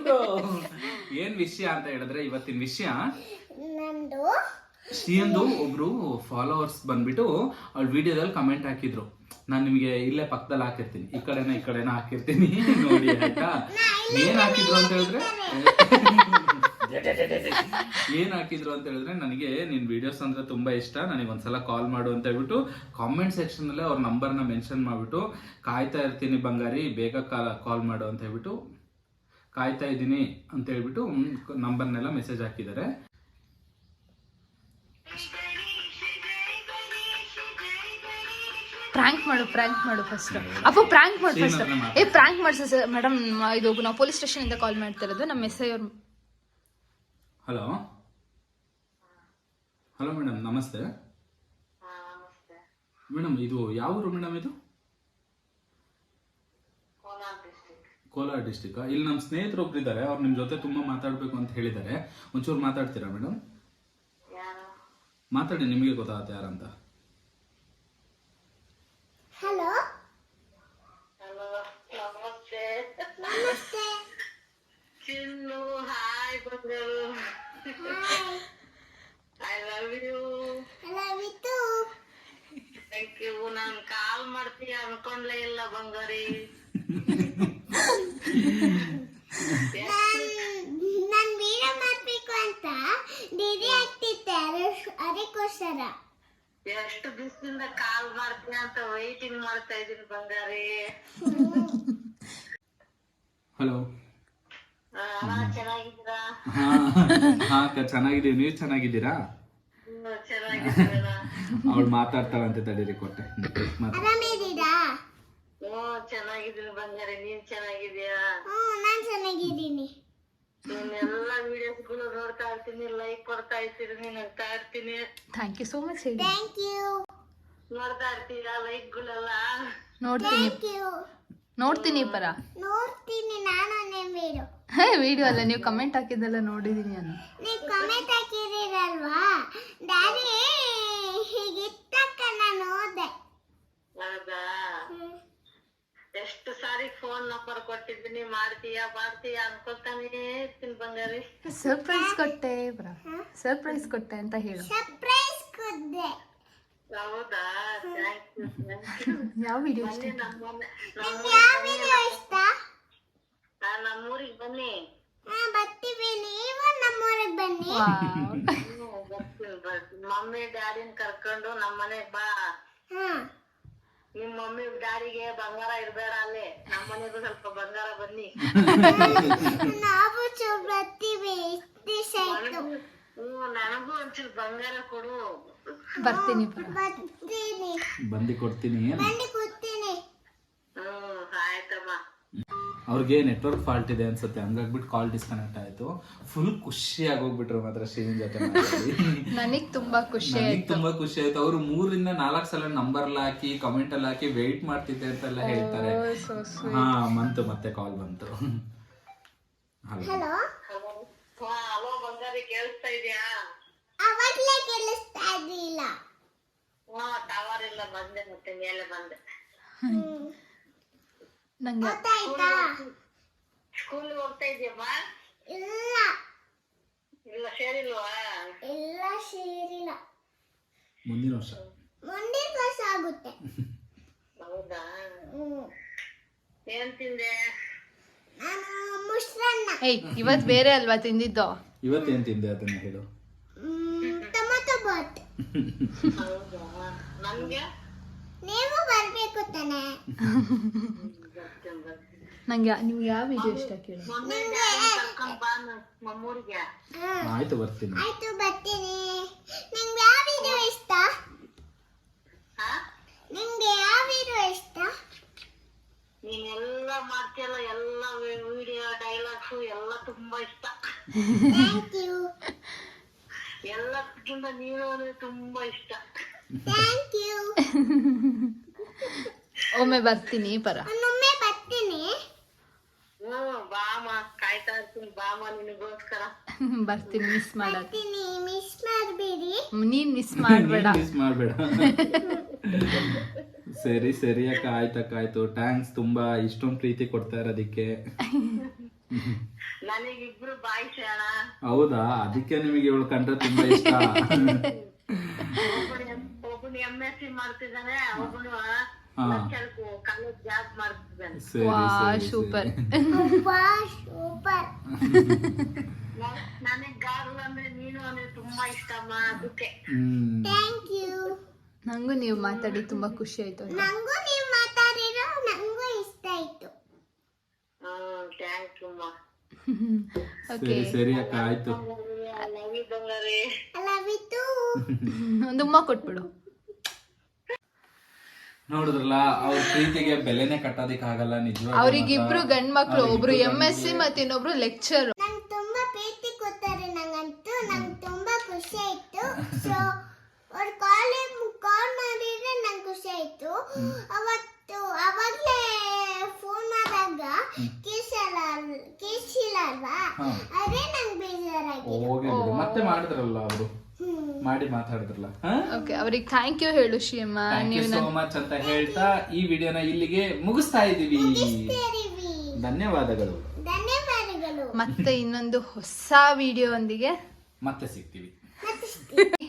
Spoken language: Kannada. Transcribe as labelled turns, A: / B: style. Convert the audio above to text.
A: ಏನ್ ವಿಷಯ ಅಂತ ಹೇಳಿದ್ರೆ ಇವತ್ತಿನ ವಿಷಯ
B: ನಮ್ದು
A: ಶ್ರೀಯಂದು ಒಬ್ರು ಫಾಲೋವರ್ಸ್ ಬಂದ್ಬಿಟ್ಟು ಅವ್ಳ ವಿಡಿಯೋದಲ್ಲಿ ಕಮೆಂಟ್ ಹಾಕಿದ್ರು. ನಾನು ನಿಮಗೆ ಇಲ್ಲೇ ಪಕ್ಕದಲ್ಲಿ ಹಾಕಿರ್ತೀನಿ, ಈ ಕಡೆನ ಹಾಕಿರ್ತೀನಿ ನೋಡಿ ಆಯ್ತಾ. ಏನ್ ಹಾಕಿದ್ರು ಅಂತ ಹೇಳಿದ್ರೆ ನನಗೆ ನಿನ್ ವಿಡಿಯೋಸ್ ಅಂದ್ರೆ ತುಂಬಾ ಇಷ್ಟ, ನನಗೆ ಒಂದ್ಸಲ ಕಾಲ್ ಮಾಡು ಅಂತ ಹೇಳ್ಬಿಟ್ಟು ಕಾಮೆಂಟ್ ಸೆಕ್ಷನ್ ಅಲ್ಲೇ ಅವ್ರ ನಂಬರ್ನ ಮೆನ್ಷನ್ ಮಾಡ್ಬಿಟ್ಟು ಕಾಯ್ತಾ ಇರ್ತೀನಿ ಬಂಗಾರಿ ಬೇಗ ಕಾಲ್ ಮಾಡು ಅಂತ ಹೇಳ್ಬಿಟ್ಟು ಕಾಯ್ತಾ ಇದ್ದೀನಿ ಅಂತ ಹೇಳ್ಬಿಟ್ಟು ನಂಬರ್ನೆಲ್ಲ ಮೆಸೇಜ್ ಹಾಕಿದ್ದಾರೆ.
C: ಪ್ರಾಂಕ್ ಮಾಡು ಫಸ್ಟ್. ಅಪ್ಪ ಪ್ರಾಂಕ್ ಮಾಡು ಫಸ್ಟ್. ಪ್ರಾಂಕ್ ಮಾಡ್ಸ ಮೇಡಮ್, ಇದು ನಾವು ಪೊಲೀಸ್ ಸ್ಟೇಷನ್ ಇಂದ ಕಾಲ್ ಮಾಡ್ತಾ ಇರೋದು. ನಮ್ಮ ಎಸ್ ಐ ಅವ್ರು.
A: ಹಲೋ ಮೇಡಮ್, ನಮಸ್ತೆ ಮೇಡಮ್. ಇದು ಯಾವ ಊರು ಮೇಡಮ್? ಇದು ಕೋಲಾರ ಡಿಸ್ಟಿಕ್. ಇಲ್ಲಿ ನಮ್ಮ ಸ್ನೇಹಿತರು ಒಬ್ರು ಇದ್ದಾರೆ, ಅವ್ರು ನಿಮ್ ಜೊತೆ ತುಂಬಾ ಮಾತಾಡ್ಬೇಕು ಅಂತ ಹೇಳಿದ್ದಾರೆ. ಒಂಚೂರು ಮಾತಾಡ್ತೀರಾ ಮೇಡಮ್? ಮಾತಾಡಿ, ನಿಮಗೆ ಗೊತ್ತಾಗುತ್ತೆ ಯಾರಂತ.
B: ಹಲೋ ನಮಸ್ತೆ
D: ಚಿನ್ನು. ಹಾಯ್ ಬಂಗಾರು. I love you. Thank you. ನಾನು ಕಾಲ್ ಮಾಡ್ತೀಯ ಅನ್ಕೊಂಡ್ಲೇ ಇಲ್ಲ ಬಂಗಾರಿ.
B: ನಾನು ವಿಡಿಯೋ ಮಾಡ್ಬೇಕು ಅಂತ ಡಿಡಿ ಆಗ್ತಿದ್ದೆ, ಅದಕ್ಕೋಸ್ಕರ.
D: ಎಷ್ಟು ದಿವಸದಿಂದ ಕಾಲ್ ಮಾಡ್ತೀಯ ಅಂತ ವೈಟಿಂಗ್ ಮಾಡ್ತಾ ಇದೀನಿ ಬಂಗಾರಿ.
A: ಹಲೋ.
D: ಚೆನ್ನಾಗಿದ್ದೀರಾ?
A: ಹಾ ಚೆನ್ನಾಗಿದ್ದೀವಿ, ನೀವು ಚೆನ್ನಾಗಿದ್ದೀರಾ?
D: ಚೆನ್ನಾಗಿದ್ದೀರಾ?
A: ಅವಳು ಮಾತಾಡ್ತಾಳಂತೆ, ತಡೀರಿ ಕೊಟ್ಟೆ.
B: ಆರಾಮಿದ್ದೀರಾ?
D: ಚೆನ್ನಾಗಿದ್ದೀನಿ ಬಂಗಾರಿ. ನೀನ್ ಚೆನ್ನಾಗಿದ್ಯಾ?
B: ನಾನು ಚೆನ್ನಾಗಿದ್ದೀನಿ.
D: ನೀನೆಲ್ಲ ವಿಡಿಯೋಸ್ಗಳು ನೋಡ್ತಾ ಇರ್ತೀನಿ, ಲೈಕ್ ಕೊಡ್ತಾ ಇರ್ತೀನಿ, ನಗ್ತಾ ಇರ್ತೀನಿ.
C: Thank you so much.
B: Thank you.
D: ನೋಡ್ತಾ ಇರ್ತೀರಾ ಲೈಕ್ಗಳೆಲ್ಲ?
C: ನೋಡ್ತೀನಿ ಪರ.
B: ನೋಡ್ತೀನಿ ನಾನು ನಿಮ್ಮ ವಿಡಿಯೋ.
C: ವಿಡಿಯೋ ಅಲ್ಲ, ನೀವು ಕಮೆಂಟ್ ಹಾಕಿದ್ದೆಲ್ಲ ನೋಡಿದೀನಿ ನಾನು.
B: ನೀವು ಕಮೆಂಟ್ ಹಾಕಿದಿರಲ್ವಾ ಡ್ಯಾಡಿ, ಹೀಗಿತ್ತಕ್ಕ ನಾನು ಓದೆ.
D: ಹೌದಾ? ಎಷ್ಟು ಸಾರಿ ಫೋನ್ ನಂಬರ್ ಕೊಟ್ಟಿದ್ದೀನಿ, ಮಾಡ್ತೀಯಾ ಅನ್ಕೊತಾನೇ ಇರ್ತೀನಿ ಬಂಗಾರಿ.
C: ಸರ್ಪ್ರೈಸ್ ಕೊಟ್ಟೆ ಅಂತ ಹೇಳು.
B: ಸರ್ಪ್ರೈಸ್ ಕೊಡ್ದೆ.
D: ಹೌದಾ? Thank you.
C: ಯಾವ ವಿಡಿಯೋ ಇಷ್ಟ?
B: ನಿಮ್ಗೆ ಯಾವ ವಿಡಿಯೋ ಇಷ್ಟ?
D: ನಮ್ಮೂರಿಗೆ ಬನ್ನಿ.
B: ಬರ್ತೀವಿ, ನೀವು ನಮ್ಮೂರಿಗೆ ಬನ್ನಿ.
D: ಬರ್ತೀನಿ. ಮಮ್ಮಿ ಡ್ಯಾಡಿನ ಕರ್ಕೊಂಡು ನಮ್ಮನೆಗ್ ಬಾ. ನಿಮ್ ಮಮ್ಮಿ ಡ್ಯಾಡಿಗೆ ಬಂಗಾರ ಇರ್ಬೇಡ ಅಲ್ಲೇ, ನಮ್ಮನೆಗೂ ಸ್ವಲ್ಪ ಬಂಗಾರ ಬನ್ನಿ.
B: ನಾವು ಬರ್ತೀವಿ.
D: ನನಗೂ ಒಂಚೂರು ಬಂಗಾರ ಕೊಡು.
C: ಬರ್ತೀನಿ.
A: ಬಂದು ಕೊಡ್ತೀನಿ.
D: ಆಯ್ತಮ್ಮ.
A: ಅವ್ರಿಗೆ ನೆಟ್ವರ್ಕ್ ಫಾಲ್ಟ್ ಇದೆ ಅನ್ಸುತ್ತೆ, ಹಂಗಾಗ್ಬಿಟ್ಟು ಕಾಲ್ ಡಿಸ್ಕನೆಕ್ಟ್ ಆಯ್ತು. ಫುಲ್ ಖುಷಿಯಾಗಿ ಹೋಗ್ಬಿಟ್ರು ಮಾತ್ರ ಶ್ರೀನಿನ್ ಜೊತೆ ಮಾತಾಡಿ.
C: ನನಗ್ ತುಂಬಾ ಖುಷಿ
A: ಆಯ್ತು. ಅವ್ರು 3 ರಿಂದ 4 ಸಲ ನಂಬರ್ ಹಾಕಿ ಕಮೆಂಟ್ ಅಲ್ಲಿ ಹಾಕಿ ವೇಟ್ ಮಾಡ್ತಿದ್ದೆ ಅಂತೆಲ್ಲ ಹೇಳ್ತಾರೆ. ಮತ್ತೆ ಕಾಲ್ ಬಂತು.
B: ಹಲೋ.
D: ಹಲೋ ಬಂಗಾರಿ, ಕೇಳಿಸ್ತಾ ಇದೆಯಾ?
B: ಅವಾಗ್ಲೇ ಕೇಳಿಸ್ತಾ ಇದ್ದಿಲ್ಲ.
D: ಟವರ್ ಇಲ್ಲ, ಬಂದೆ ಮತ್ತೆ ಮೇಲೆ ಬಂದೆ.
C: ನಂಗೆ
B: ಗೊತ್ತಾಯ್ತಾ?
D: ಸ್ಕೂಲ್ ಹೋಗ್ತಾ ಇದೆಯಮ್ಮ?
B: ಇಲ್ಲ
D: ಸೇರಿಲ್ವಾ?
B: ಇಲ್ಲ ಸೇರಿಲ್ಲ.
A: ಮುಂದಿನ ವರ್ಷ
B: ಆಗುತ್ತೆ.
D: ಹೌದಾ? ಏನ್ ತಿಂದೆ?
B: ನಾನು ಮುಷ್ರನ್ನ.
C: ಇವತ್ ಬೇರೆ ಅಲ್ವಾ ತಿಂದಿದ್ದು?
A: ಇವತ್ತೇನ್ ತಿಂದೆ ಅದನ್ನ ಹೇಳು.
B: ಟೊಮೆಟೊ ಬಾತ್.
D: ಹೌದಾ? ನನ್ಗೆ
B: ನೀವು ಬರ್ಬೇಕು ತಾನೆ.
C: ನಂಗೆ ನಿಮ್ಗೆ ಯಾವ ವಿಡಿಯೋ ಇಷ್ಟ ಕೇಳಿ.
D: ಮಮ್ಮೂರಿಗೆ.
A: ಆಯ್ತು ಬರ್ತೀನಿ.
B: ಆಯ್ತು ಬರ್ತೀನಿ. ನಿಮ್ಗೆ ಯಾವ ವಿಡಿಯೋ ಇಷ್ಟ? ನಿಮ್ಗೆ ಯಾವ ವಿಡಿಯೋ ಇಷ್ಟ?
D: ನೀನೆಲ್ಲ ಮಾಡ್ತೀಯಲ್ಲ, ಎಲ್ಲ ವಿಡಿಯೋ ಡೈಲಾಗ್ಸು ಎಲ್ಲ ತುಂಬಾ ಇಷ್ಟ.
B: Thank you.
D: ಎಲ್ಲಕ್ಕಿಂತ ನೀನು ತುಂಬಾ ಇಷ್ಟ.
B: Thank you.
C: ಒಮ್ಮೆ ಬರ್ತೀನಿ ಪರ.
B: ಒಮ್ಮೆ ಬರ್ತೀನಿ.
D: ಬಾಮ, ಕಾಯ್ತಾ ಇರ್ತೀನಿ ಬಾಮ ನಿನಗೋಸ್ಕರ.
C: ಬರ್ತೀನಿ, ಮಿಸ್
B: ಬರ್ತೀನಿ, ಮಿಸ್ ಮಾಡಬೇಡಿ.
C: ನೀನ್ ಮಿಸ್ ಮಾಡ್ಬೇಡ.
A: ಸರಿ ಅಕ್ಕ, ಆಯ್ತು. ಥ್ಯಾಂಕ್ಸ್, ತುಂಬಾ ಇಷ್ಟೊಂದು ಪ್ರೀತಿ ಕೊಡ್ತಾ ಇರೋದಕ್ಕೆ.
D: ನನಗಿಬ್ರು ಬಾಯ್ ಅಣ್ಣ.
A: ಹೌದಾ, ಅದಕ್ಕೆ ನಿಮಗೆ ಇವಳು ಕಂಡ್ರೆ ತುಂಬಾ ಇಷ್ಟ.
D: ಒಬ್ಬನು MSc ಮಾಡ್ತಿದ್ದಾನೆ, ಒಬ್ಬನು ಕಾಲೇಜ್ ಜಾಬ್ ಮಾಡ್ತಿದ್ದಾನೆ.
C: ವಾ
A: ಸರಿ
C: ಸೂಪರ್.
B: ಸೂಪರ್.
D: ನನಗ್ ಗಾರು ಅಂದ್ರೆ ನೀನು ಅಂದ್ರೆ ತುಂಬಾ ಇಷ್ಟಮ್ಮ, ಅದಕ್ಕೆ.
B: Thank you.
C: ನಂಗೂ ನೀವು ಮಾತಾಡಿ ತುಂಬಾ ಖುಷಿ ಆಯ್ತು.
B: ನಂಗೂ ನೀವು ಮಾತಾಡಿರೋ ನಂಗೂ ಇಷ್ಟ ಆಯ್ತು.
D: ಥ್ಯಾಂಕ್ ಯು ಅಮ್ಮ.
C: ಓಕೆ,
A: ಸರಿ ಅಕ್ಕ, ಆಯ್ತು.
D: ಲವ್ ಯು ಬಂಗಾರಿ.
B: I love you too.
C: ಒಂದು ಉಮ್ಮ ಕೊಟ್ಬಿಡು.
A: ನೋಡಿದ್ರಲ್ಲ, ಅವ್ರ ಪ್ರೀತಿಗೆ ಬೆಲೆನೆ ಕಟ್ಟೋದಿಕ್ಕಾಗಲ್ಲ ನಿಜವಾಗ್ಲೂ.
C: ಅವ್ರಿಗಿಬ್ರು ಗಂಡ್ ಮಕ್ಳು, ಒಬ್ರು MSc ಮತ್ತೆ ಇನ್ನೊಬ್ರು ಲೆಕ್ಚರ್.
B: ನಂಗೆ ತುಂಬಾ ಪ್ರೀತಿ ಕೊಡ್ತಾರೆ, ನಂಗಂತೂ ನಂಗೆ ತುಂಬಾ ಖುಷಿ ಆಯ್ತು. ಸೊ ಅವ್ರು ಕಾಲ್ ಮಾಡಿದ್ರೆ ನಂಗೆ ಖುಷಿ ಆಯ್ತು. ಅವಾಗ್ಲೇ ಫೋನ್ ಮಾಡಿದಾಗ ಕೇಳಿಸಿಲ್ಲ ಅಲ್ವಾ, ಅದೇ ನಂಗೆ ಬೇಜಾರಾಗಿ.
A: ಹೋಗಿ ಬಿಡು, ಮತ್ತೆ ಮಾಡಿದ್ರಲ್ಲ ಅವರು, ಮಾಡಿ ಮಾತಾಡಿದ್ರಲ್ಲ.
C: ಓಕೆ, ಅವ್ರಿಗೆ ಥ್ಯಾಂಕ್ ಯು ಹೇಳು ಶ್ರೀಯಮ್ಮ.
A: ಥ್ಯಾಂಕ್ ಯು
C: ನೀವು
A: ಸೋ ಮಚ್ ಅಂತ ಹೇಳ್ತಾ ಈ ವಿಡಿಯೋನ ಇಲ್ಲಿಗೆ ಮುಗಿಸ್ತಾ ಇದೀವಿ. ಧನ್ಯವಾದಗಳು.
B: ಧನ್ಯವಾದಗಳು.
C: ಮತ್ತೆ ಇನ್ನೊಂದು ಹೊಸ ವಿಡಿಯೋ ಒಂದಿಗೆ
A: ಮತ್ತೆ ಸಿಗ್ತೀವಿ.
B: ಮತ್ತೆ